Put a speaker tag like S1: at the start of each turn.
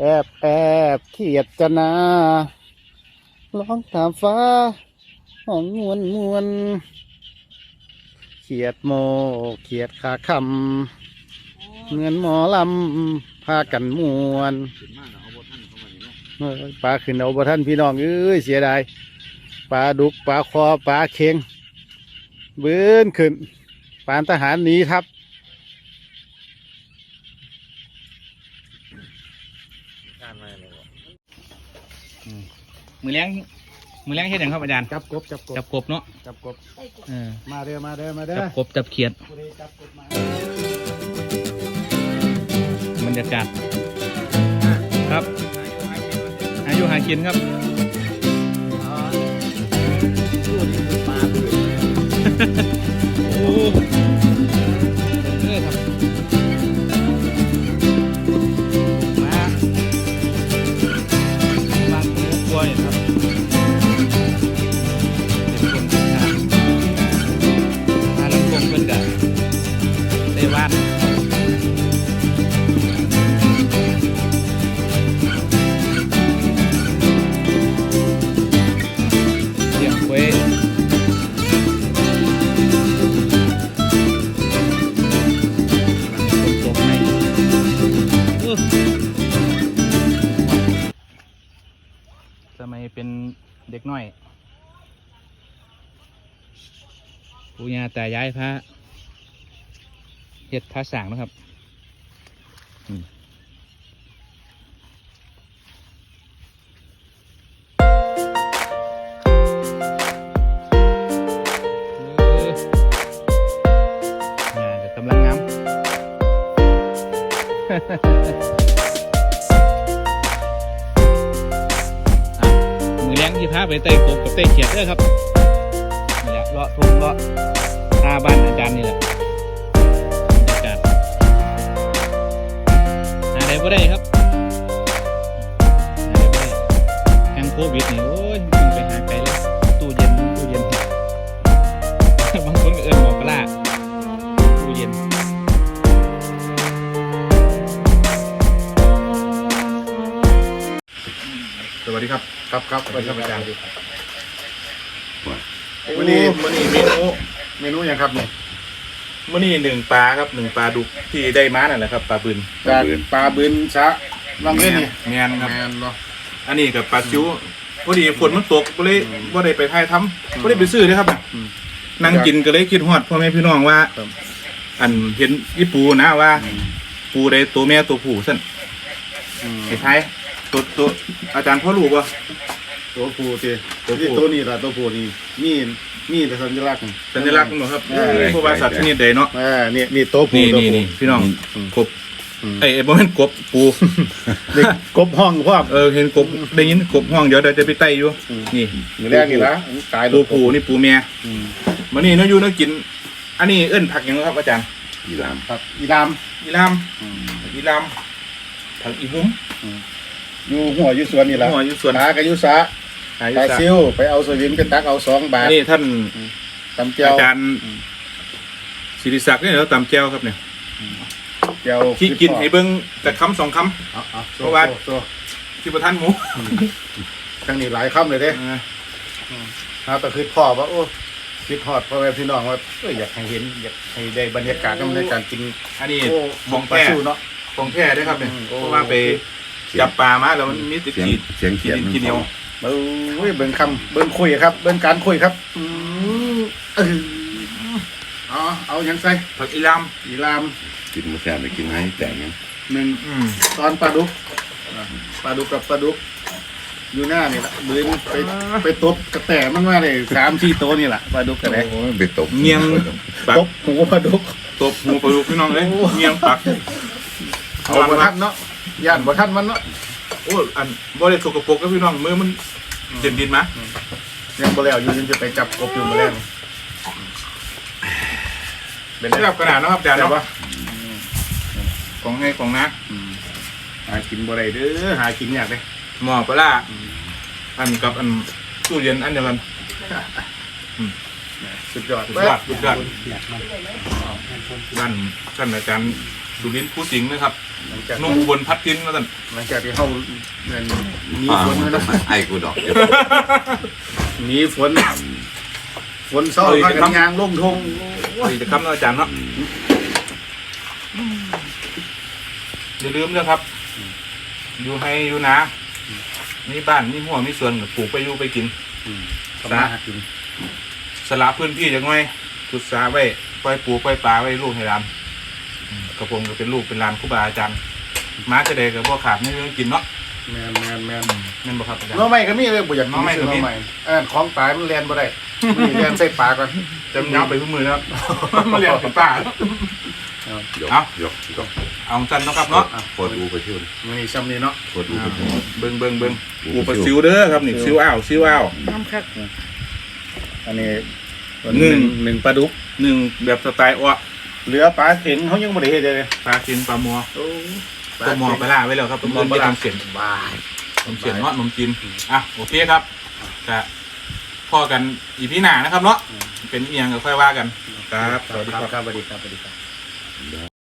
S1: แอบเขียดจะนาร้องถามฟ้าห้องมวนเขียดโมเขียดขาคำเงินหมอลำพากันมวนปลาขึ้นเอาบ่ท่านพี่น้องเอ้ยเสียดายปลาดุกปลาคอปลาเค็งเบื้นขึ้นปานทหารหนีครับ
S2: มือเลี้ยงเฮ็ดหยังครับอาจารย์
S1: จับกบ
S2: เนาะ
S1: จับกบมาเด้อ
S2: จับกบจับเขียดบรรยากาศครับอายุหากินครับโอ้ครับมาบางตัวกลัวเนี่ยครับมาลำวงเพิ่นกันได้วาดเสียงเว้ยสมัยเป็นเด็กน้อยปู่ย่าตายายพระเฮ็ดพระสร้างนะครับจะกำลังงาม มือเลี้ยงที่พาไปเตะกบกับเตะเขียดด้วยครับนี่แหละเลาะทุ่งเลาะหน้าบ้านอาจารย์นี่แหละบรรยากาศหาได้บ่ได้ครับหาได้บ่ได้แห่งโควิดนี่โอ้ยจึงไปหาไกลเลยตู้เย็นบางคนก็เอิ้นหมอกระลาตู้เย็น
S1: สวัสดีครับสวัสดีครับอาจารย์
S2: วันนี้
S1: เมนูยังครับเนี่ย
S2: มื้อนี้หนึ่งปลาครับหนึ่งปลาดุกที่ได้มานั่นแหละครับปลาบืน
S1: ปลาบืนชะลองเล่นนี่
S2: แมนครับ
S1: เนาะ
S2: อันนี้กับปลาซิวพอดีฝนมันตกก็เลยว่าได้ไปถ่ายทำก็ได้ไปซื้อเลยครับนั่งกินก็เลยคิดฮอดพ่อแม่พี่น้องว่าอันเห็นอีปูนะว่าปูได้ตัวแม่ตัวผู้สั่นไอ้ท้ายตัวอาจารย์พ่อรู้ป่ะ
S1: ตัวผู้ตัวนี้ล่ะตัวผู้นี่มีแต่สัญลักษณ์
S2: สัญลักษณ์มั้งครับเพราะว่าสัตว์ชนิดใดเนาะ
S1: นี่ตัวผู้
S2: นี่พี่น้องกบไอ้บ่แม่นกบปู
S1: เด็กกบห้องพวก
S2: เห็นกบได้ยินกบห้องเดี๋ยวจะไปไต่อยู่นี่
S1: มือแรกนี่ละตาย
S2: ตัวผู้นี่ปูเมียมานี่น้าอยู่น้ากินอันนี้เอิ้นผักยังครับอาจารย์
S1: อีลามผัก
S2: อีหุ้ม
S1: อยู่หัวอยู่สวนนี่ละ
S2: หัวอยู่สวน
S1: หากระยุสะตาซิวไปเอาสวิมกันตักเอา2 บาท
S2: นี่ท่าน
S1: ตำเจียว
S2: อาจารย์ศิริศักดิ์เนี่ยเราตำเจียวครับเนี่ย
S1: เจียว
S2: ที่กินให้เบิ้งแต่คำ2 คำเพราะว่าที่ประทานหมู
S1: ทั้งนี้หลายคำเลยเด้แต่คือพ่อว่าโอ้คิดทอดพ่อแม่พี่น้องว่าอยากให้เห็นอยากให้ได้บรรยากาศในการกิน
S2: อันนี้ของแท้เนาะของแท้ด้วยครับเนี่ยเพราะว่าไปจับปลามาแล้วมันมีติดขีดเหนียว
S1: เบิ่งคำเบิ่งคุยครับเบิ่งการคุยครับเอาอย่างใส่
S2: ผักอีลาม
S1: กินมาแซ่บไปกินให้แต่งหนึ่งตอนปลาดุกกับปลาดุกอยู่หน้านี่แหละบืนไปตบกระแตมันมาเลย3-4 ตัวนี่แหละปลาดุกกระแต
S2: ไปตบเงียง
S1: ตบหูปลาดุก
S2: พี่น้องเลยเงียงปัก
S1: เอาบ่ทันเนาะย่านบ่ทันมันเนาะ
S2: โอ้อันบ่ได้สกปรกกับพี่น้องมือมันเต็มดินมา
S1: ยังบ่แล้วอยู่ยังจะไปจับกบอยู่มาแล้ว
S2: เป็นระดับขนาดนะครับอาจารย์เนาะของให้ของนะ
S1: หากินบ่ได้เด้อหากินยากเลย
S2: หม้อปลาอันกับอันตู้เย็นอันเดียวกัน
S1: สุดยอด
S2: บ้านท่านอาจารย์สุรินทร์ผู้สิงห์นะครับ
S1: หลังจาก
S2: นุ่มอุบลพัดทินมาสั่น
S1: หลังจากที่เขามีฝนนะ
S3: ไอ้กูดอก
S1: มีฝนเศร้าพากันยางลงทง
S2: นี่จะคำนะอาจารย์เนาะอย่าลืมนะครับ อยู่ให้อยู่นะมีบ้านมีหัวมีสวนปลูกไปอยู่ไปกิน
S1: ทำมาหากิน
S2: สละพื้นที่จังไงพุทธาไว้ปล่อยปูปล่อยปลาไว้ลูกให้ร้านกระผมก็เป็นลูกเป็นร้านครูบาอาจารย์ม้าจะเด็กกับพ่อขาดไม่ต้องกินเนาะ
S1: แมน
S2: แม่นบ่ครับอาจารย์
S1: น้องใหม่ก็มีเลยบ่อยาก
S2: น้องใหม่ก็มี
S1: น้องใหม่ของตายมันเรียนบ่ได้มีเรียนใส่ปากก่อน
S2: จำเนาไปทุกมือนะครับ มาเรียนเป็นป่า
S3: ยก
S2: เอา
S3: ยกยก
S2: เอาสั้นเนาะครับเนาะ
S3: โคตรดูไปเที่ยว
S1: มันนี่ซ้ำนี่เนาะ
S3: โคตรดูไปเที่ยว
S2: เบิ่งปูปลาซิวเด้อครับนี่ซิวอ้าว
S1: น้ำคักอันนี้
S2: หนึ่ง
S1: ปลาดุก
S2: หนึ่งแบบสไตล์อ้อ
S1: เหลือปลาเข็งเขายังบ่ได้เฮ็ดเลย
S2: ปลาเค็มปลามัว
S1: โอ้
S2: ตัวมัวปลาล่าไว้แล้วครับตัวมันไปทำเสียน
S1: บาย
S2: ทำเสียนเนาะนมจีนอ่ะโอเคครับจะพ่อกันอีพีหน้านะครับเนาะเป็นเอียงก็ค่อยว่ากันครับสวัสดีครับ
S1: ครับสวัสดีครับ